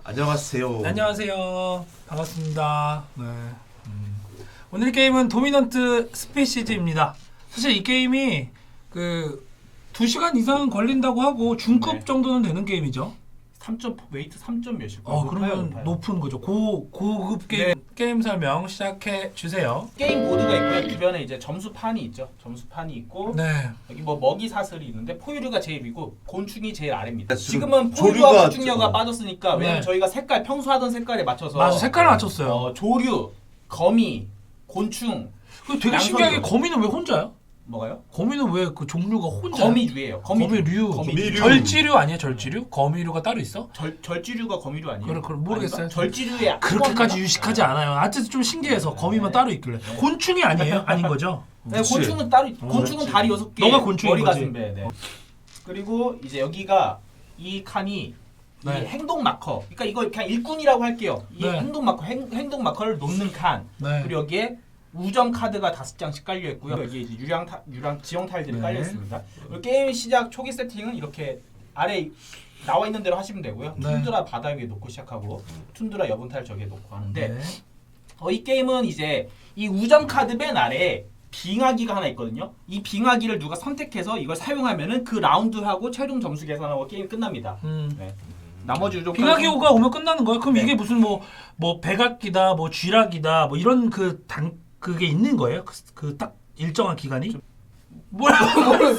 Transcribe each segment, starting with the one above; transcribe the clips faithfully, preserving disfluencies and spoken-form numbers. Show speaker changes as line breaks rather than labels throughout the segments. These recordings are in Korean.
안녕하세요.
안녕하세요. 반갑습니다. 네. 음. 오늘 게임은 도미넌트 스페시즈입니다. 사실 이 게임이 그 두 시간 이상 걸린다고 하고 중급
네.
정도는 되는 게임이죠.
삼 점 웨이트 삼 점 몇일 거예요?
어, 그러면
높아요.
높은 거죠. 고 고급 게임.
네.
게임 설명 시작해 주세요.
게임 보드가 있고요. 주변에 이제 점수판이 있죠. 점수판이 있고
네.
여기 뭐 먹이 사슬이 있는데 포유류가 제일 위고 곤충이 제일 아래입니다.
지금
지금은
조류가
포유류와 곤충류가
좀-
빠졌으니까 왜냐면
네.
저희가 색깔 평소 하던 색깔에 맞춰서
맞아. 색깔을 맞췄어요.
어, 조류, 거미, 곤충
그 되게
양서류.
신기하게 거미는 왜 혼자야?
뭐가요?
거미는 왜 그 종류가 혼자?
거미류예요. 거미류.
거미류.
거미류.
절지류 아니야? 절지류? 거미류가 따로 있어?
절 절지류가 거미류 아니에요?
그래, 그래, 모르겠어요.
아닌가? 절지류의
그렇게까지
학원인가?
유식하지 않아요. 하여튼 좀 신기해서 거미만
네.
따로 있길래. 곤충이 아니에요? 아닌 거죠?
네,
그치.
곤충은 따로 있-
어,
곤충은
그렇지.
다리 여섯 개.
너가 곤충인
머리
거지.
가슴 배. 네. 그리고 이제 여기가 이 칸이
네.
이 행동 마커. 그러니까 이거 그냥 일꾼이라고 할게요. 이
네.
행동 마커 행, 행동 마커를 놓는 칸.
네.
그리고 여기에 우점 카드가 다섯 장씩 깔려 있고요. 여기 이제 유량 타, 유량 지형 타일들이
네.
깔려 있습니다. 그리고 게임 시작 초기 세팅은 이렇게 아래 나와 있는 대로 하시면 되고요.
네.
툰드라 바다 위에 놓고 시작하고 툰드라 여분 타일 저기에 놓고 하는데
네.
어, 이 게임은 이제 이 우점 카드 맨 아래에 빙하기가 하나 있거든요. 이 빙하기를 누가 선택해서 이걸 사용하면은 그 라운드하고 최종 점수 계산하고 게임 끝납니다.
음.
네. 나머지 우점
빙하기호가 오면 끝나는 거예요? 그럼
네.
이게 무슨 뭐 뭐 백악기다, 뭐 쥐락이다, 뭐 이런 그 당 그게 있는 거예요? 그 딱 일정한 기간이? 뭐야?
몰라요.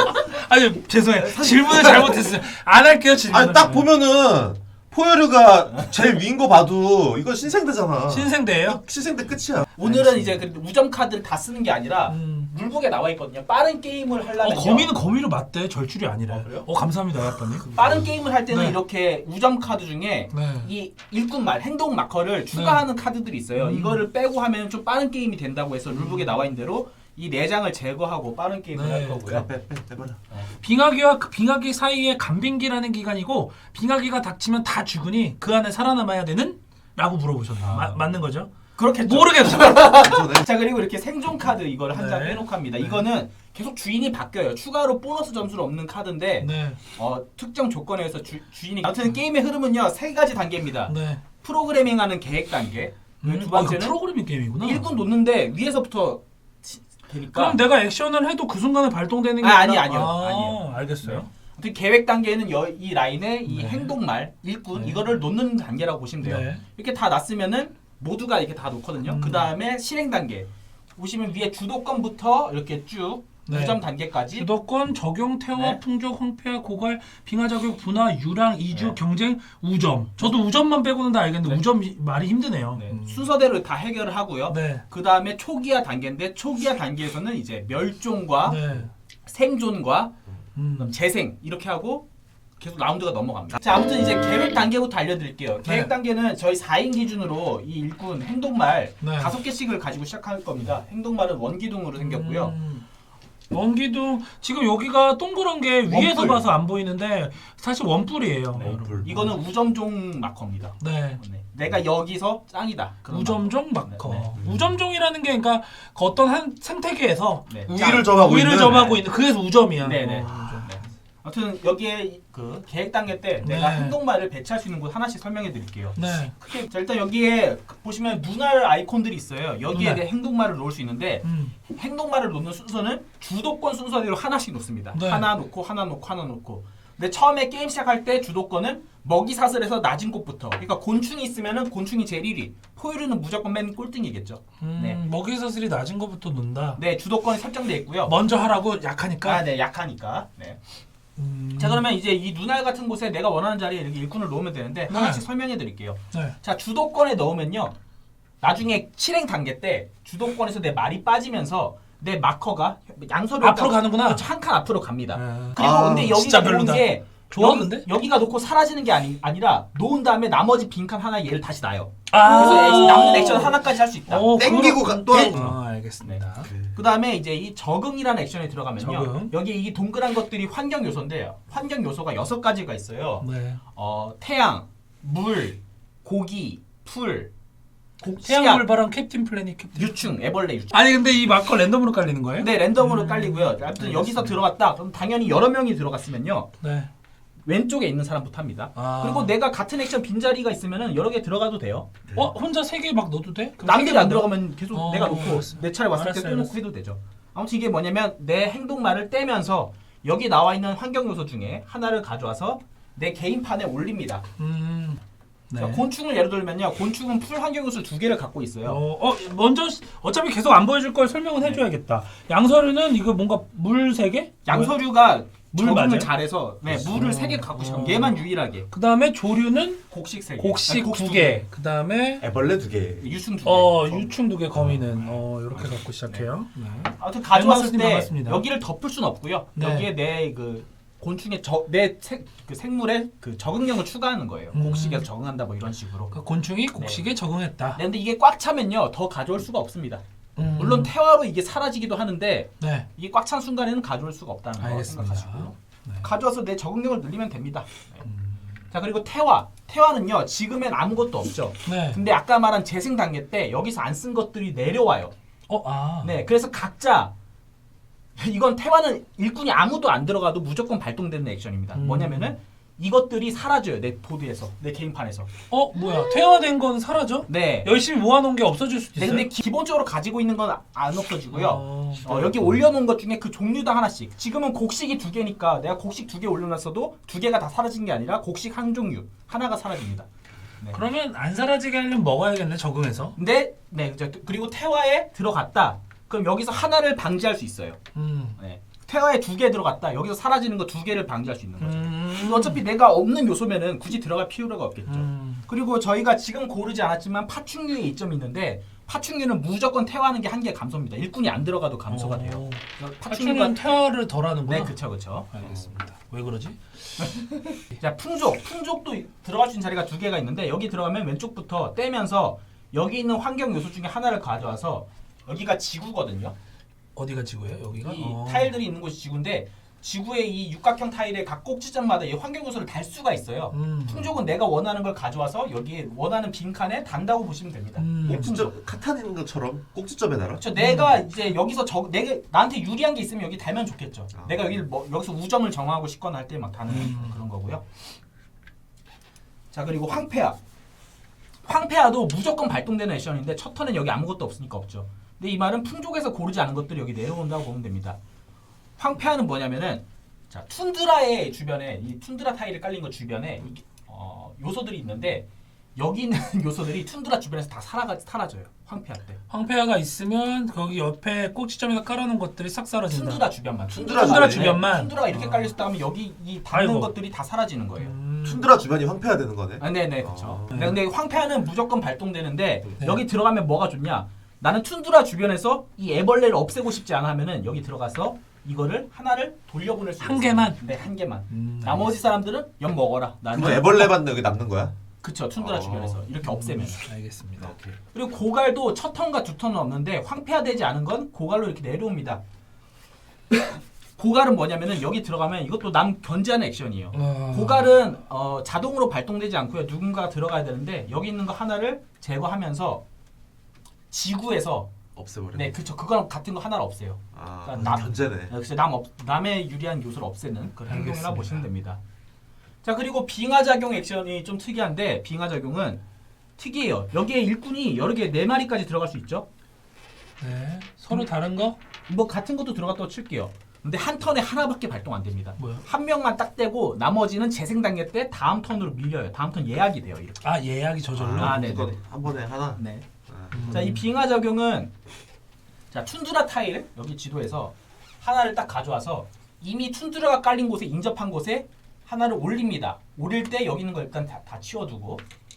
아니 죄송해요. 질문을 잘못했어요. 안 할게요 질문.
아니 딱 보면은 포유류가 제일 위인 거 봐도 이거 신생대잖아.
신생대예요?
신생대 끝이야.
오늘은 이제 그 우점 카드를 다 쓰는 게 아니라
음.
룰북에 나와 있거든요. 빠른 게임을
어,
하려면
거미는 거미로 맞대. 절줄이 아니래.
어, 그래요?
어 감사합니다, 약간님.
빠른 게임을 할 때는
네.
이렇게 우점 카드 중에
네.
이 일꾼말 행동 마커를 추가하는 카드들이 있어요.
음.
이거를 빼고 하면 좀 빠른 게임이 된다고 해서 룰북에 나와 있는 대로 이 네 장을 제거하고 빠른 게임을
네.
할 거고요.
빼, 빼, 빼버려.
빙하기와 그 빙하기 사이에 간빙기라는 기간이고 빙하기가 닥치면 다 죽으니 그 안에 살아남아야 되는? 라고 물어보셨네요.
아.
마, 맞는 거죠?
그렇겠죠.
모르겠어.
그래서
자 그리고 이렇게 생존 카드 이거를 한 장
네.
빼놓고 합니다.
네.
이거는 계속 주인이 바뀌어요. 추가로 보너스 점수를 얻는 카드인데
네.
어, 특정 조건에 의해서 주, 주인이 아무튼 게임의 흐름은요 세 가지 단계입니다.
네.
프로그래밍하는 계획 단계.
음,
두
아, 이거
번째는
프로그래밍 게임이구나.
일꾼 놓는데 위에서부터 치- 되니까.
그럼 내가 액션을 해도 그 순간에 발동되는 게
아, 아니,
아니라-
아니요.
아,
아니에요.
알겠어요.
아무튼 계획 단계는 여, 이 라인에 이
네.
행동말 일꾼
네.
이거를 놓는 단계라고 보시면 돼요.
네.
이렇게 다 놨으면은 모두가 이렇게 다 놓거든요.
음.
그 다음에 실행 단계. 보시면 위에 주도권부터 이렇게 쭉
네.
두 점 단계까지. 태워
주도권, 적용, 태워,
네.
풍족, 황폐화, 고갈, 빙하 자격, 분화, 유랑, 이주,
네.
경쟁, 우점. 저도 우점만 빼고는 다 알겠는데
네.
우점 말이 힘드네요.
네.
음.
순서대로 다 해결을 하고요.
네.
그 다음에 초기화 단계인데 초기화 단계에서는 이제 멸종과
네.
생존과
음.
그다음 재생 이렇게 하고 계속 라운드가 넘어갑니다. 자 아무튼 이제 계획 단계부터 알려드릴게요.
네.
계획 단계는 저희 사 인 기준으로 이 일꾼 행동말
네.
다섯 개씩을 가지고 시작할 겁니다. 행동말은 원기둥으로 생겼고요.
음. 원기둥 지금 여기가 동그란 게 위에서
원뿔.
봐서 안 보이는데 사실 원뿔이에요.
네.
원뿔.
이거는 우점종 마커입니다.
네.
네. 내가 여기서 짱이다. 그런
우점종 마커.
네,
우점종이라는 게 그러니까 그 어떤 한 생태계에서
네.
우위를 점하고
우위를
있는.
점하고 있는 그래서 우점이야.
네, 네.
어, 우점.
네. 아무튼 여기에 그 계획 단계 때
네.
내가 행동말을 배치할 수 있는 곳 하나씩 설명해 드릴게요.
네.
크게 자 일단 여기에 보시면 눈알 아이콘들이 있어요. 여기에
눈알.
내 행동말을 놓을 수 있는데
음.
행동말을 놓는 순서는 주도권 순서대로 하나씩 놓습니다.
네.
하나 놓고 하나 놓고 하나 놓고. 근데 처음에 게임 시작할 때 주도권은 먹이 사슬에서 낮은 곳부터. 그러니까 곤충이 있으면은 곤충이 제일 일 위. 포유류는 무조건 맨 꼴등이겠죠.
음,
네.
먹이 사슬이 낮은 것부터 논다.
네, 주도권이 설정돼 있고요.
먼저 하라고 약하니까.
아, 네, 약하니까. 네.
음.
자, 그러면 이제 이 눈알 같은 곳에 내가 원하는 자리에 이렇게 일꾼을 놓으면 되는데
네.
하나씩 설명해 드릴게요.
네.
자, 주도권에 넣으면요. 나중에 실행 단계 때 주도권에서 내 말이 빠지면서 내 마커가 양서로
앞으로 가는구나.
한 칸 앞으로 갑니다.
네.
그리고
아,
근데
진짜
여기가 놓은
별로다.
게
좋아,
여기,
근데?
여기가 놓고 사라지는 게 아니, 아니라 놓은 다음에 나머지 빈칸 하나 얘를 다시 놔요.
아.
그래서 액- 남는 액션 하나까지 할 수 있다.
어,
땡기고
그럼-
가- 또
땡-
하고.
아, 알겠습니다.
그 다음에 이제 이 적응이라는 액션에 들어가면요.
적응.
여기 이 동그란 것들이 환경 요소인데 환경 요소가 여섯 가지가 있어요.
네.
어, 태양, 물, 고기, 풀, 곡,
태양불 바람 캡틴 플래닛 캡틴.
유충, 애벌레 유충.
아니 근데 이 마커 랜덤으로 깔리는 거예요?
네, 랜덤으로
음,
깔리고요. 아무튼
알겠습니다.
여기서 들어갔다. 그럼 당연히 여러 명이 들어갔으면요.
네.
왼쪽에 있는 사람부터 합니다.
아.
그리고 내가 같은 액션 빈자리가 있으면은 여러 개 들어가도 돼요.
어 혼자 세 개 막 넣어도 돼? 그럼 세
남들이
개
안
만들어?
들어가면 계속
어,
내가 놓고
알았어.
내 차례 왔을 때
알았어,
떼놓고
알았어.
해도 되죠. 아무튼 이게 뭐냐면 내 행동말을 떼면서 여기 나와 있는 환경 요소 중에 하나를 가져와서 내 개인판에 올립니다.
음. 네.
자, 곤충을 예를 들면요. 곤충은 풀 환경 요소 두 개를 갖고 있어요.
어, 어 먼저 시- 어차피 계속 안 보여줄 걸 설명은 해줘야겠다. 양서류는 이거 뭔가 물 세 개?
양서류가
물
적응을
맞아요?
잘해서 네, 물을 세 개 갖고 싶어.
어.
얘만 유일하게
그 다음에 조류는
곡식 세 개.
곡식
아니,
두 개. 그 다음에
애벌레 두 개.
유충 두 개.
어 유충 두 개, 거미는 어 이렇게 갖고 시작해요. 네.
아무튼 가져왔을
엠마우스님
때
반갑습니다.
여기를 덮을 수는 없고요.
네.
여기에 내 그 곤충의 저내그 생물의 그 적응력을 추가하는 거예요.
음.
곡식에서 적응한다 뭐 이런 식으로.
그 곤충이 곡식에 적응했다.
네, 근데 이게 꽉 차면요 더 가져올 수가 없습니다.
음.
물론 태화로 이게 사라지기도 하는데
네.
이게 꽉 찬 순간에는 가져올 수가 없다는 거
알겠습니다.
생각하시고요.
네.
가져와서 내 적응력을 늘리면 됩니다. 네.
음.
자 그리고 태화, 태화는요 지금엔 아무것도 없죠.
네.
근데 아까 말한 재생 단계 때 여기서 안 쓴 것들이 내려와요.
어 아.
네, 그래서 각자 이건 태화는 일꾼이 아무도 안 들어가도 무조건 발동되는 액션입니다.
음.
뭐냐면은 이것들이 사라져요 내 보드에서, 내 개인판에서.
어 뭐야? 퇴화된 건 사라져?
네.
열심히 모아놓은 게 없어질 수도
네,
있어요.
근데 기본적으로 가지고 있는 건 안 없어지고요.
어.
어, 여기 올려놓은 것 중에 그 종류당 하나씩. 지금은 곡식이 두 개니까 내가 곡식 두 개 올려놨어도 두 개가 다 사라진 게 아니라 곡식 한 종류 하나가 사라집니다. 네.
그러면 안 사라지게 하려면 먹어야겠네, 적응해서.
근데 네, 그죠. 그리고 태화에 들어갔다. 그럼 여기서 하나를 방지할 수 있어요.
음.
네. 태화에 두 개 들어갔다. 여기서 사라지는 거 두 개를 방지할 수 있는 거죠.
음.
어차피 내가 없는 요소면은 굳이 들어갈 필요가 없겠죠.
음.
그리고 저희가 지금 고르지 않았지만 파충류의 이점이 있는데 파충류는 무조건 태화하는 게 한계 감소입니다. 일꾼이 안 들어가도 감소가 돼요.
어.
그래서
파충류는 퇴화를 덜 하는구나.
네, 그쵸, 그쵸.
알겠습니다. 왜 그러지?
자, 풍족. 풍족도 들어갈 수 있는 자리가 두 개가 있는데 여기 들어가면 왼쪽부터 떼면서 여기 있는 환경 요소 중에 하나를 가져와서 여기가 지구거든요.
어디가 지구예요? 여기가?
이
어.
타일들이 있는 곳이 지구인데 지구의 이 육각형 타일의 각 꼭지점마다 이 환경 요소를 달 수가 있어요.
음.
풍족은 내가 원하는 걸 가져와서 여기에 원하는 빈칸에 단다고 보시면 됩니다.
음.
이게 풍족.
꼭지점 카탄 있는 것처럼 꼭지점에 달아.
그렇죠. 내가 이제 여기서 저 내가 나한테 유리한 게 있으면 여기 달면 좋겠죠.
아.
내가 여기를 뭐 여기서 우점을 정하고 싶거나 할 때 막 다는
음.
그런 거고요. 자 그리고 황폐화. 황폐화도 무조건 발동되는 액션인데 첫 턴엔 여기 아무것도 없으니까 없죠. 근데 이 말은 풍족에서 고르지 않은 것들이 여기 내려온다고 보면 됩니다. 황폐화는 뭐냐면은 자 툰드라의 주변에 이 툰드라 타일이 깔린 것 주변에 이, 어, 요소들이 있는데 여기 있는 요소들이 툰드라 주변에서 다 사라가 사라져요. 황폐화 때.
황폐화가 있으면 거기 옆에 꼭지점에다 깔아놓은 것들이 싹 사라진다.
툰드라 주변만.
툰드라
툰드라
주변에?
주변만.
툰드라가 이렇게
아.
깔려있다 하면 여기 이 닿는
아이고.
것들이 다 사라지는 거예요.
음.
툰드라 주변이 황폐화 되는 거네.
아, 네네 그렇죠.
아.
네, 근데 황폐화는 무조건 발동되는데
네.
여기 들어가면 뭐가 좋냐? 나는 툰드라 주변에서 이 애벌레를 없애고 싶지 않아 하면은 여기 들어가서 이거를 하나를 돌려보낼 수
한
있어요.
개만?
네, 한 개만.
음,
나머지 사람들은 연 먹어라. 나는
그럼 애벌레만 여기 남는 거야?
그쵸 툰드라
어.
주변에서 이렇게 없애면.
알겠습니다.
오케이.
그리고 고갈도 첫 턴과 두 턴은 없는데 황폐화되지 않은 건 고갈로 이렇게 내려옵니다. 고갈은 뭐냐면은 여기 들어가면 이것도 남 견제하는 액션이에요.
어.
고갈은 어, 자동으로 발동되지 않고요. 누군가 들어가야 되는데 여기 있는 거 하나를 제거하면서 지구에서
없애버려.
네 그쵸 그거랑 같은 거 하나를 없애요.
아,
그러니까 남-
견제네.
그래서 남 없, 남의 유리한 요소를 없애는 그런 행동이라
알겠습니다.
보시면 됩니다. 자 그리고 빙하 작용 액션이 좀 특이한데 빙하 작용은 특이해요. 여기에 일꾼이 여러 개 네 마리까지 들어갈 수 있죠.
네. 서로 다른 거?
뭐 같은 것도 들어갔다고 칠게요. 근데 한 턴에 하나밖에 발동 안 됩니다.
뭐야?
한 명만 딱 떼고 나머지는 재생 단계 때 다음 턴으로 밀려요. 다음 턴 예약이 돼요. 이렇게.
아 예약이 저절로.
아,
아,
네네네.
네네. 한 번에 하나.
네.
아.
음.
자, 이 빙하 작용은 자, 툰드라 타일 여기 지도에서 하나를 딱 가져와서 이미 툰드라가 깔린 곳에 인접한 곳에 하나를 올립니다. 올릴 때 여기 있는 거 일단 다, 다 치워두고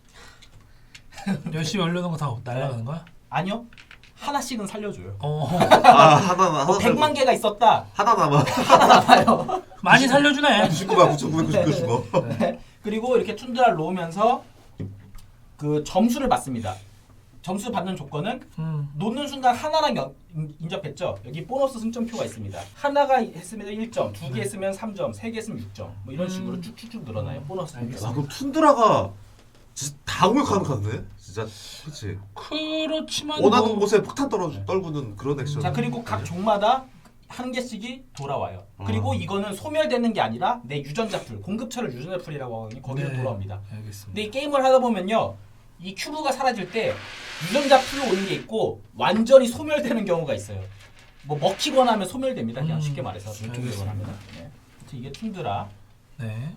열심히 올려놓은 거 다 날아가는 거야?
아니요. 하나씩은 살려줘요.
어.
아, 하나 하나.
뭐 백만 개가 있었다.
하나 남아.
많이 살려주네.
구십구만 구천구백구십구.
네. 그리고 이렇게 툰드라를 놓으면서 그 점수를 받습니다. 점수 받는 조건은
음.
놓는 순간 하나랑 연, 인- 인접했죠. 여기 보너스 승점표가 있습니다. 하나가 했으면 일 점, 두 개 했으면 삼 점, 세 개 했으면 육 점. 뭐 이런 식으로
음.
쭉쭉쭉 늘어나요. 보너스
아,
승점표.
그럼 툰드라가 진짜 다 공격하는 카드네. 진짜 그렇지.
그렇지만
원하는
뭐-
곳에 폭탄 떨어 떨구는 그런 액션.
자 그리고 각 종마다 한 개씩이 돌아와요. 그리고
어.
이거는 소멸되는 게 아니라 내 유전자 풀, 공급처를 유전자 풀이라고 하거든요. 거기로
네.
돌아옵니다.
알겠습니다.
근데 이 게임을 하다 보면요, 이 큐브가 사라질 때 유전자 풀로 오는 게 있고 완전히 소멸되는 경우가 있어요. 뭐 먹히거나 하면 소멸됩니다. 그냥
음,
쉽게 말해서 멸종되거나
알겠습니다.
하면. 네. 이게 툰드라.
네.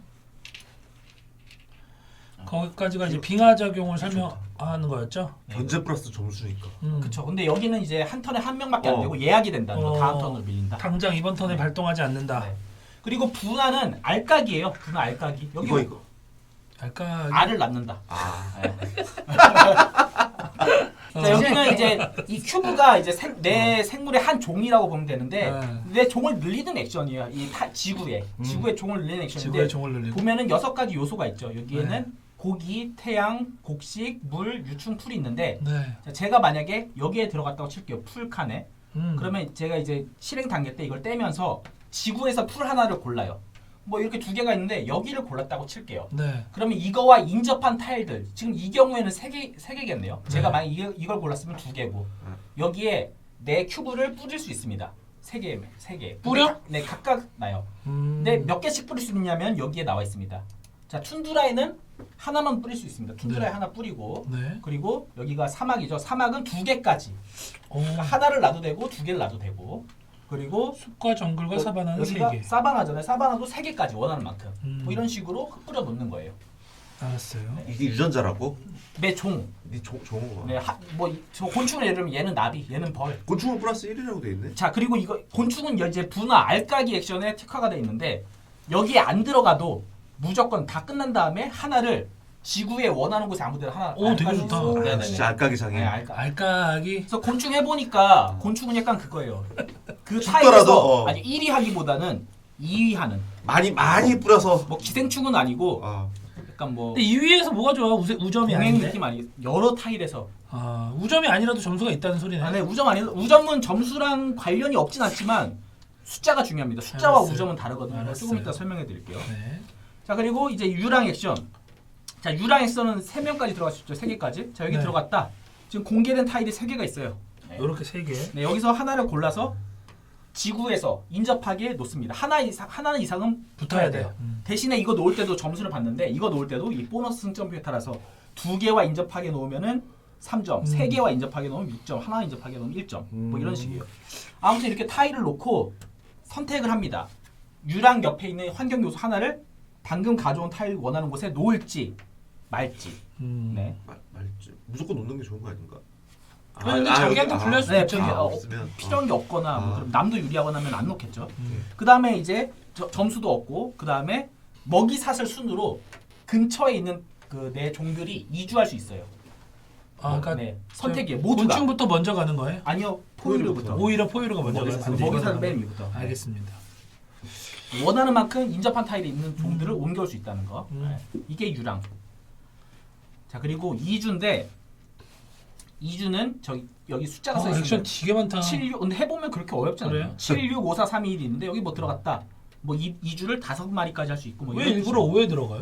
거기까지가 이제 빙하 작용을 설명하는 거였죠?
견제 플러스 점수니까.
음.
그쵸. 근데 여기는 이제 한 턴에 한 명밖에 안
어.
되고 예약이 된다는 거.
어.
다음 턴으로 밀린다.
당장 이번 턴에
네.
발동하지 않는다.
네. 그리고 분화는 알까기예요. 분화 알까기. 여기
이거 이거.
알까?
알을 낳는다.
아.
네.
어.
자, 여기는 이제 이 큐브가 이제 생, 내 생물의 한 종이라고 보면 되는데
네.
내 종을 늘리는 액션이에요. 이 타, 지구에
음.
지구의 종을 늘리는 액션인데
지구의 종을 늘리고.
보면은 여섯 가지 요소가 있죠. 여기에는
네.
고기, 태양, 곡식, 물, 유충, 풀이 있는데
네.
자, 제가 만약에 여기에 들어갔다고 칠게요. 풀 칸에.
음.
그러면 제가 이제 실행 단계 때 이걸 떼면서 지구에서 풀 하나를 골라요. 뭐 이렇게 두 개가 있는데 여기를 골랐다고 칠게요.
네.
그러면 이거와 인접한 타일들 지금 이 경우에는 세 개 세 개겠네요. 제가
네.
만약 이, 이걸 골랐으면 두 개고 여기에 내 큐브를 뿌릴 수 있습니다. 세 개, 세 개.
뿌려?
각- 네, 각각 나요.
음.
근데 몇 개씩 뿌릴 수 있냐면 여기에 나와 있습니다. 자, 툰드라에는 하나만 뿌릴 수 있습니다. 툰드라에
네.
하나 뿌리고
네.
그리고 여기가 사막이죠. 사막은 두 개까지.
오.
그러니까 하나를 놔도 되고 두 개를 놔도 되고 그리고
숲과 정글과
여-
사바나는 세
여기가
개.
사바나잖아요. 사바나도 세 개까지 원하는 만큼.
음.
뭐 이런 식으로 뿌려 놓는 거예요.
알았어요.
이게 유전자라고?
내 종.
네 조, 좋은 거.
네, 하, 뭐, 이- 저 곤충은 예를 들면 얘는 나비, 얘는 벌.
곤충은 플러스 일이라고 돼 있네.
자, 그리고 이거 곤충은 이제 분화 알까기 액션에 특화가 돼 있는데 여기에 안 들어가도 무조건 다 끝난 다음에 하나를 지구에 원하는 곳에 아무데나 하나.
오, 되게
알까기
좋다.
쏘-
아,
네네네.
진짜 알까기 장애.
네, 알까.
알까기.
그래서 곤충 해보니까 곤충은 약간 그거예요. 그
죽더라도,
타입에서
어.
아니 일 위 하기보다는 이 위 하는.
많이 많이 뿌려서.
뭐 기생충은 아니고
아.
약간 뭐
근데 이 위에서 뭐가 좋아? 우세, 우점이
동행
아닌데.
느낌 아니 여러 타일에서.
아, 우점이 아니라도 점수가 있다는 소리네.
아, 네, 우점 아니 우점은 점수랑 관련이 없진 않지만 숫자가 중요합니다. 숫자와
알았어요.
우점은 다르거든요. 이거 조금
알았어요.
이따 설명해 드릴게요.
네.
자, 그리고 이제 유랑 액션. 자, 유랑 액션은 세 명까지 들어갈 수 있죠. 세 개까지. 자, 여기
네.
들어갔다. 지금 공개된 타일이 세 개가 있어요. 네.
요렇게 세 개.
네, 여기서 하나를 골라서 지구에서 인접하게 놓습니다. 하나 이상 하나는 이상은 붙어야 돼요.
음.
대신에 이거 놓을 때도 점수를 받는데 이거 놓을 때도 이 보너스 승점표에 따라서 두 개와 인접하게 놓으면은 삼 점,
음.
세 개와 인접하게 놓으면 육 점, 하나 인접하게 놓으면 일 점. 뭐 이런
음.
식이에요. 아무튼 이렇게 타일을 놓고 선택을 합니다. 유랑 옆에 있는 환경 요소 하나를 방금 가져온 타일 원하는 곳에 놓을지 말지.
음.
네.
말, 말지. 무조건 놓는 게 좋은 거 아닌가?
근데 자기한테
여기-
불리할 수
네,
있죠.
저기,
아,
어,
없으면
필요한 게 없거나 뭐
아.
그럼 남도 유리하거나 하면 안 놓겠죠.
음.
그 다음에 이제 저- 점수도 없고 그 다음에 먹이 사슬 순으로 근처에 있는 그 내 종들이 이주할 수 있어요.
아, 그러니까
네, 선택이에요. 모두가.
곤충부터 먼저 가는 거예요?
아니요, 포유류부터.
오히려 포유류가 먼저
먹이
가는
사슬,
거예요.
먹이 사슬 맨 위부터.
알겠습니다.
네. 원하는 만큼 인접한 타일이 있는 종들을 옮겨올 수 있다는 거.
음.
네. 이게 유랑. 자, 그리고 이주인데 이주는 저기 여기 숫자가 써
어, 액션
있습니다.
되게 많다.
칠, 육 근데 해보면 그렇게 어렵지 않아요.
그래요?
칠, 육, 오, 사, 삼, 이, 일이 있는데 여기 뭐 들어갔다. 뭐 이, 이주를 다섯 마리까지 할 수 있고 뭐
왜
이런
일부러
식으로.
오에 들어가요?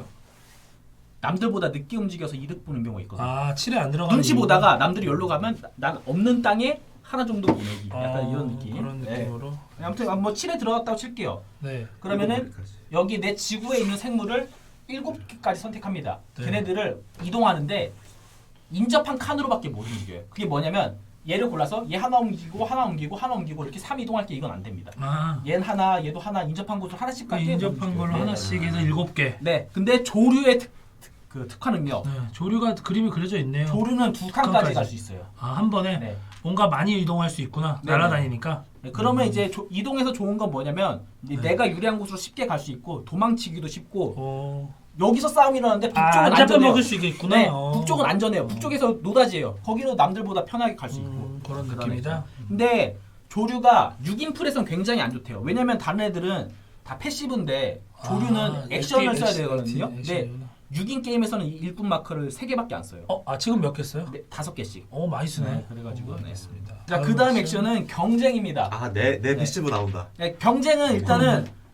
남들보다 늦게 움직여서 이득 보는 경우가 있거든요.
아, 칠에 안 들어가는
눈치
이유가?
보다가 남들이 여기로 가면 나- 난 없는 땅에 하나 정도 보내기. 약간
아,
이런 느낌.
그런
네.
느낌으로.
아무튼 뭐 칠에 들어갔다고 칠게요.
네.
그러면은
일곱 마리까지.
여기 내 지구에 있는 생물을 일곱 개까지 선택합니다.
네.
걔네들을 이동하는데 인접한 칸으로밖에 못 움직여요. 그게 뭐냐면 얘를 골라서 얘 하나 옮기고 하나 옮기고 하나 옮기고 이렇게 삼 이동할 게 이건 안 됩니다.
아,
얘는 하나, 얘도 하나 인접한 곳으로 하나씩
그
갈게.
인접한 걸로
네.
하나씩 해서 일곱 개.
네. 근데 조류의 특, 특, 그 특화는요.
네, 조류가 그림이 그려져 있네요.
조류는 두 칸까지
칸까지.
갈 수 있어요.
아, 한 번에
네.
뭔가 많이 이동할 수 있구나.
네,
날아다니니까.
네, 그러면
음.
이제 조, 이동해서 좋은 건 뭐냐면 이제
네.
내가 유리한 곳으로 쉽게 갈 수 있고 도망치기도 쉽고
어.
여기서 싸움이 일어나는데 북쪽은
아, 안
안전해요.
잡아먹을 수 있겠구나.
네,
어.
북쪽은 안전해요. 북쪽에서 노다지예요. 거기는 남들보다 편하게 갈 수 있고.
음, 그런
그런
느낌이다.
근데 조류가 육 인 풀에서는 굉장히 안 좋대요. 왜냐면 다른 애들은 다 패시브인데 조류는
아,
액션을
액티-
써야
액티-
되거든요.
액티-
근데
액션이구나.
육 인 게임에서는 이 일분 마커를 세 개밖에 안 써요.
어, 아 지금 몇 개 써요?
네, 다섯 개씩.
어, 많이 쓰네.
네, 그래가지고,
어,
네.
알겠습니다.
자, 그 다음 액션은 경쟁입니다.
아, 내, 내
네.
패시브 나온다.
네, 경쟁은 일단은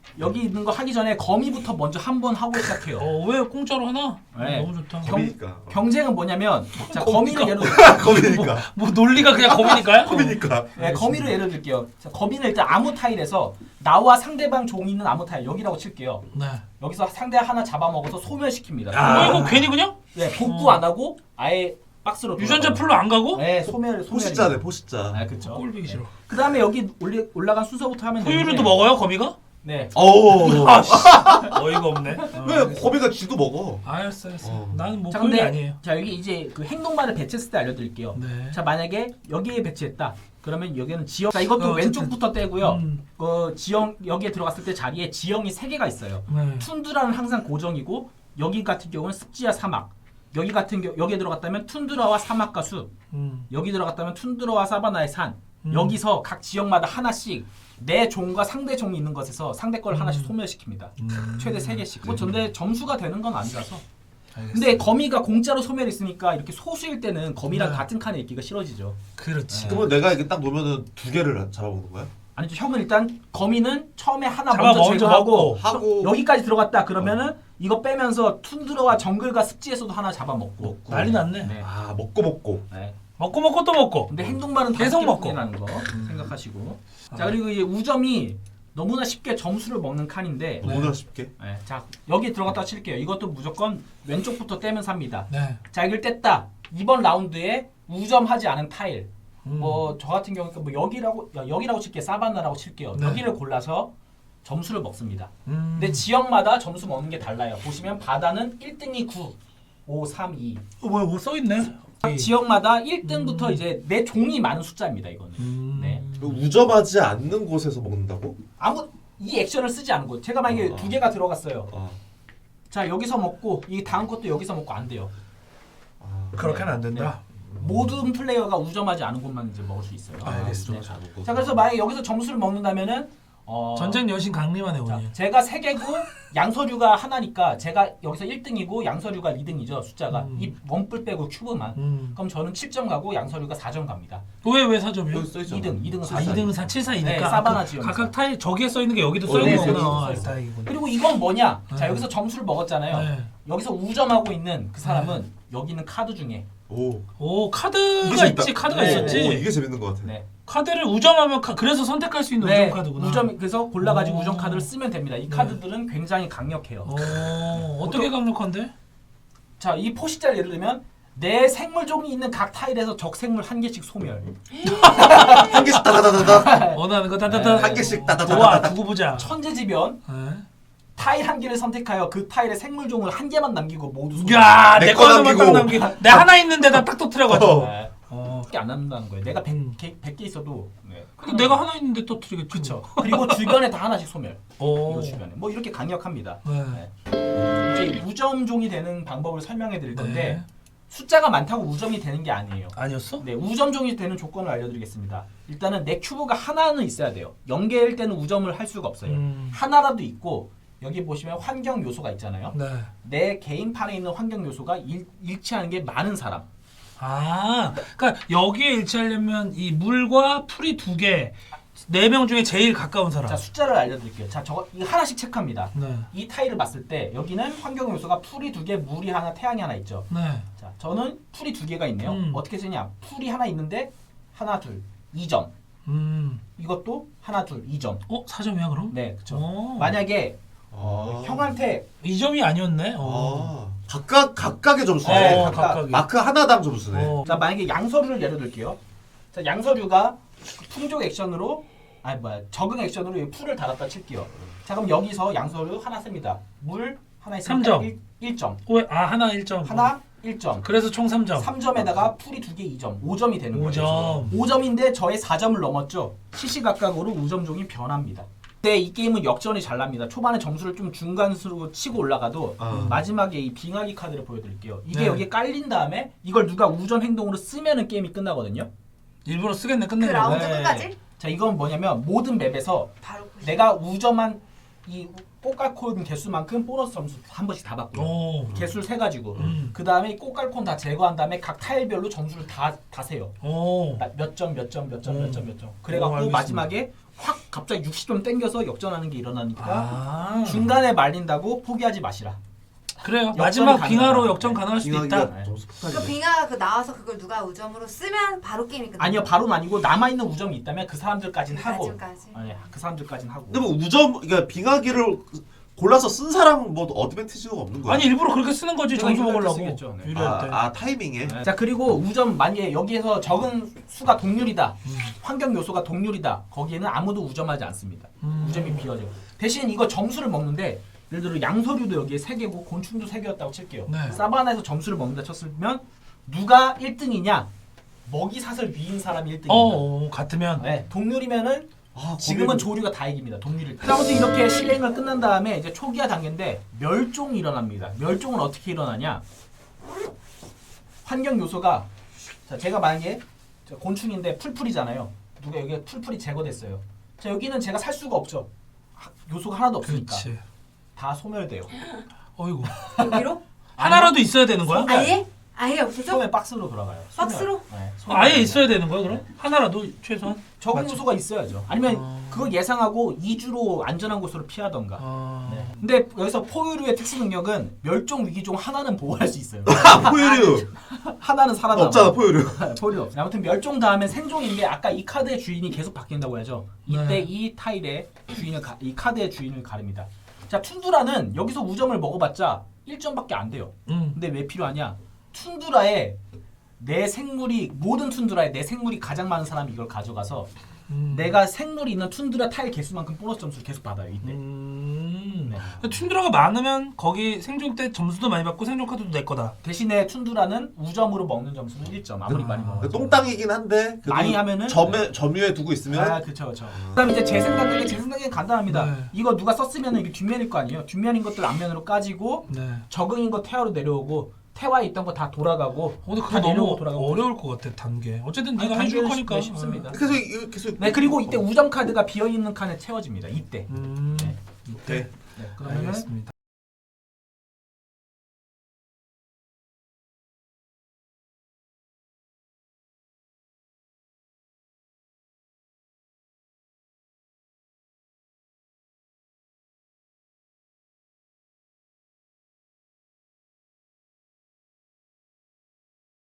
여기 있는 거 하기 전에 거미부터 먼저 한 번 하고 시작해요.
어, 왜 공짜로 하나?
네.
어, 너무 좋다.
경-
거미니까.
경쟁은 뭐냐면 자
거미가.
거미를 예를 들어
거미니까.
뭐 논리가 그냥 거미니까요?
거미니까.
네, 거미를 예를 들게요. 자, 거미는 일단 아무 타일에서 나와 상대방 종이 있는 아무 타일 여기라고 칠게요.
네.
여기서 상대 하나 잡아먹어서 소멸시킵니다.
아.
어, 이거 괜히 그냥
네, 복구
어.
안 하고 아예 박스로
유전자
돌아가요.
풀로 안 가고?
네, 소멸 소멸.
포식자네 포식자.
아, 그렇죠.
꼴보기 싫어.
그다음에 여기 올리, 올라간 순서부터 하면
포유류도
되는데
먹어요, 거미가?
네.
오.
아, 씨. 어이가 없네. 어,
왜
알겠어.
거미가 쥐도 먹어?
알았어, 알았어.
어.
나는 뭐
자,
포유류
근데
아니에요.
자, 여기 이제 그 행동반을 배치했을 때 알려 드릴게요.
네.
자, 만약에 여기에 배치했다. 그러면 여기는 지형. 자, 이것도
어,
왼쪽부터 떼고요.
음.
그 지형 여기에 들어갔을 때 자리에 지형이 세 개가 있어요.
네.
툰드라는 항상 고정이고 여기 같은 경우는 습지와 사막. 여기 같은 경우 여기에 들어갔다면 툰드라와 사막과 숲.
음.
여기 들어갔다면 툰드라와 사바나의 산.
음.
여기서 각 지역마다 하나씩 내 종과 상대 종이 있는 것에서 상대 걸 하나씩 소멸시킵니다.
음.
최대 세 개씩. 뭐 근데 점수가 되는 건 아니라서.
알겠어.
근데 거미가 공짜로 소멸했으니까 이렇게 소수일 때는 거미랑
네.
같은 칸에 있기가 싫어지죠.
그렇지.
그러면 내가 이게 딱 놓으면은 두 개를 잡아먹는 거야?
아니죠. 형은 일단 거미는 처음에 하나
잡아
먼저
먼저
제거하고
먹고.
하고
여기까지 들어갔다 그러면은 이거 빼면서 툰드라와 정글과 습지에서도 하나 잡아먹고.
먹고.
난리 났네.
네.
아 먹고 먹고.
네.
먹고 먹고 또 먹고.
근데 행동만은
계속 먹고.
라는 거 생각하시고.
아.
자 그리고 이제 우점이 너무나 쉽게 점수를 먹는 칸인데.
너무나 쉽게.
네. 자 여기 들어갔다 칠게요. 이것도 무조건 왼쪽부터 떼면서 합니다.
네.
자 이걸 뗐다. 이번 라운드에 우점하지 않은 타일.
음.
뭐 저 같은 경우는 뭐 여기라고 야, 여기라고 칠게요. 사바나라고 칠게요.
네.
여기를 골라서 점수를 먹습니다.
음.
근데 지역마다 점수 먹는 게 달라요. 보시면 바다는 일 등이 구, 오, 삼, 이.
어, 뭐야, 뭐 써 있네.
각 지역마다 일 등부터 이제 내 종이 많은 숫자입니다. 이거는.
음.
네.
우점하지 않는 곳에서 먹는다고?
아무 이 액션을 쓰지 않은 곳. 제가 만약에
어.
두 개가 들어갔어요.
아.
자 여기서 먹고 이 다음 것도 여기서 먹고 안 돼요.
아.
그렇게는 안 된다.
모든 플레이어가 우점하지 않은 곳만 이제 먹을 수 있어요.
아, 알겠어.
네.
자,
자 그래서 만약에 여기서 점수를 먹는다면은 어,
전쟁 여신 강림하네
자,
오늘.
제가 세 개고 양서류가 하나니까 제가 여기서 일 등이고 양서류가 이 등이죠. 숫자가
음.
이 원뿔 빼고 큐브만.
음.
그럼 저는 칠 점 가고 양서류가 사 점 갑니다.
왜왜 사 점이요?
여기 써 있잖아.
이 등, 이 등은
아,
사
이
점.
등은 사, 칠, 사이니까.
네, 사바나
아, 그
지역에서.
각각 타일 저기에 써 있는 게 여기도 써
어,
있는
네,
거구나.
여기도
아,
써 있어.
다행이군.
그리고 이건 뭐냐? 자
네.
여기서 점수를 먹었잖아요.
네.
여기서 우점하고 있는 그 사람은 여기 있는 카드 중에
오.
오
이게
카드가
재밌다.
있지 카드가
네,
있었지.
오, 이게 재밌는 것 같아.
네.
카드를 우점하면 카, 그래서 선택할 수 있는
네,
우점 카드구나.
우점 그래서 골라가지고
오.
우점 카드를 쓰면 됩니다. 이
네.
카드들은 굉장히 강력해요.
어 어떻게 강력한데?
자, 이 포식자를 예를 들면 내 생물종이 있는 각 타일에서 적 생물 한 개씩 소멸.
한 개씩 따다다다다.
원하는 거 따따따.
네,
한 개씩 따다다다.
좋아 두고 보자.
천재지변.
네.
타일 한 개를 선택하여 그 타일의 생물종을 한 개만 남기고 모두 소멸.
야,
내
내
거
거만 딱
남기고.
남기. 내 하나 있는 데다 딱 터트려가지고.
어.
네.
어.
밖에 안 남는다는 거예요. 내가
음.
백 개 있어도. 네.
근데 내가 하나 있는데 터트리겠지.
그렇죠. 그리고 주변에 다 하나씩 소멸.
오.
이거 주변에. 뭐 이렇게 강력합니다.
네.
네. 이제 우점종이 되는 방법을 설명해 드릴 건데
네.
숫자가 많다고 우점이 되는 게 아니에요.
아니었어?
네, 우점종이 되는 조건을 알려드리겠습니다. 일단은 내 큐브가 하나는 있어야 돼요. 영 개일 때는 우점을 할 수가 없어요.
음.
하나라도 있고 여기 보시면 환경 요소가 있잖아요.
네.
내 개인판에 있는 환경 요소가 일, 일치하는 게 많은 사람.
아, 그러니까 여기에 일치하려면 이 물과 풀이 두 개, 네 명 중에 제일 가까운 사람.
자, 숫자를 알려드릴게요. 자, 저거 이거 하나씩 체크합니다.
네.
이 타일을 봤을 때 여기는 환경 요소가 풀이 두 개, 물이 하나, 태양이 하나 있죠.
네.
자, 저는 풀이 두 개가 있네요.
음.
어떻게 쓰냐? 풀이 하나 있는데 하나, 둘, 이 점.
음.
이것도 하나, 둘, 이 점.
어, 사 점이야 그럼?
네, 그렇죠.
어.
만약에
아.
형한테
이 점이 아니었네. 어.
아. 각각 각각의 점수네.
네,
어,
각각.
각각이.
마크 하나당 점수네.
어.
자 만약에 양서류를 예를 들게요. 자 양서류가 풍족 액션으로 아니 뭐야 적응 액션으로 이 풀을 달았다 칠게요. 자 그럼 여기서 양서류 하나 씁니다. 물 하나
삼
있으니까
점.
일, 일 점.
왜? 아, 하나 일 점.
하나 일 점.
그래서 총 삼 점.
삼 점에다가 풀이 두 개 이 점. 오 점이 되는
오
거예요.
점.
오 점인데 저의 사 점을 넘었죠. 시시각각으로 우점종이 변합니다. 근데 이 게임은 역전이 잘 납니다. 초반에 점수를 좀 중간수로 치고 올라가도
아.
마지막에 이 빙하기 카드를 보여드릴게요. 이게
네.
여기에 깔린 다음에 이걸 누가 우점 행동으로 쓰면은 게임이 끝나거든요.
일부러 쓰겠네
그
끝내려고.
라운드
네.
끝까지?
자 이건 뭐냐면 모든 맵에서
바로 그
내가 우점한 이 꽃갈콘 개수만큼 보너스 점수 한 번씩 다 받고요.
오.
개수를 세 가지고
음.
그 다음에 꽃갈콘 다 제거한 다음에 각 타일별로 점수를 다 다 세요.
오.
몇 점 몇 점 몇 점
음.
몇 점 몇 점.
오,
그래갖고
알겠습니다.
마지막에 확 갑자기 육십 점 땡겨서 역전하는 게 일어나니까
아.
중간에 말린다고 포기하지 마시라.
그래요.
역전이
마지막
가능하다.
빙하로 역전 가능할 수도 있다.
빙하기가 좀
그
속하네.
빙하가 그 나와서 그걸 누가 우점으로 쓰면 바로 게임이 끝나.
아니요, 바로는 아니고 남아 있는 우점이 있다면 그 사람들까진 하고.
아직까지.
아니, 그 사람들까진 하고.
근데 뭐 우점 그러니까 빙하기를 골라서 쓴 사람 뭐 어드밴티지가 없는 거야.
아니 일부러 그렇게 쓰는 거지
제가
점수
유리할 때
먹으려고.
쓰겠죠. 네.
유리할
아,
때.
아 타이밍에.
네. 자, 그리고 우점 만약에 여기에서 적은 수가 동률이다.
음.
환경 요소가 동률이다. 거기에는 아무도 우점하지 않습니다.
음.
우점이 비어져. 대신 이거 점수를 먹는데 예를 들어 양서류도 여기에 세 개고 곤충도 세 개였다고 칠게요.
네.
사바나에서 점수를 먹는다 쳤으면 누가 일 등이냐? 먹이사슬 위인 사람이 일 등입니다.
어, 어 같으면.
네, 동률이면은
아,
지금은
거기는-
조류가 다 이깁니다. 동률일 때. 자, 아무튼 이렇게 실행을 끝난 다음에 이제 초기화 단계인데 멸종이 일어납니다. 멸종은 어떻게 일어나냐? 환경 요소가 자, 제가 만약에 저 곤충인데 풀풀이잖아요. 누가 여기 풀풀이 제거됐어요. 자, 여기는 제가 살 수가 없죠. 하- 요소가 하나도 없으니까
그렇지.
다 소멸돼요.
어이구.
여기로?
하나라도 있어야 되는 거야?
아예? 아예 없어져?
소멸 박스로 돌아가요. 소멸.
박스로?
네,
어,
소멸.
아예 있어야 되는 거야 그럼? 하나라도 최소한?
적응
맞죠?
요소가 있어야죠. 아니면
어.
그걸 예상하고 이주로 안전한 곳으로 피하던가.
어...
네. 근데 여기서 포유류의 특수 능력은 멸종 위기 중 하나는 보호할 수 있어요.
아, 포유류
하나는 살아남아.
없잖아 포유류.
포유류 없어. 아무튼 멸종 다음에 생존인데 아까 이 카드의 주인이 계속 바뀐다고 해야죠. 이때
네.
이 타일의 주인을 가, 이 카드의 주인을 가릅니다. 자, 툰드라는 여기서 우점을 먹어봤자 일 점밖에 안 돼요.
음.
근데 왜 필요하냐? 툰드라에 내 생물이 모든 툰드라에 내 생물이 가장 많은 사람이 이걸 가져가서
음.
내가 생물이 있는 툰드라 타일 개수만큼 보너스 점수를 계속 받아요. 이때.
음.
네.
툰드라가 많으면 거기 생존 때 점수도 많이 받고 생존 카드도 내 거다.
대신에 툰드라는 우점으로 먹는 점수는 일 점. 아무리
아.
많이 먹어도.
똥땅이긴 한데 그래도
많이 하면은
점에 점유에 두고 있으면
아, 그쵸, 그쵸. 그다음에 이제 재생 단계, 재생 단계는 간단합니다.
네.
이거 누가 썼으면 이게 뒷면일 거 아니에요. 뒷면인 것들 앞면으로 까지고
네.
적응인 거 태화로 내려오고 태화에 있던 거 다 돌아가고.
어, 근데
다
그거
내려오고
너무
돌아가고.
어려울 것 같아 단계. 어쨌든
아니,
네가 해줄
단계는
거니까.
쉽- 네, 쉽습니다.
계속 이거 계속.
네, 그리고 이때 우점 카드가 비어 있는 칸에 채워집니다. 이때.
음.
네.
이때.
네, 그러면
알겠습니다.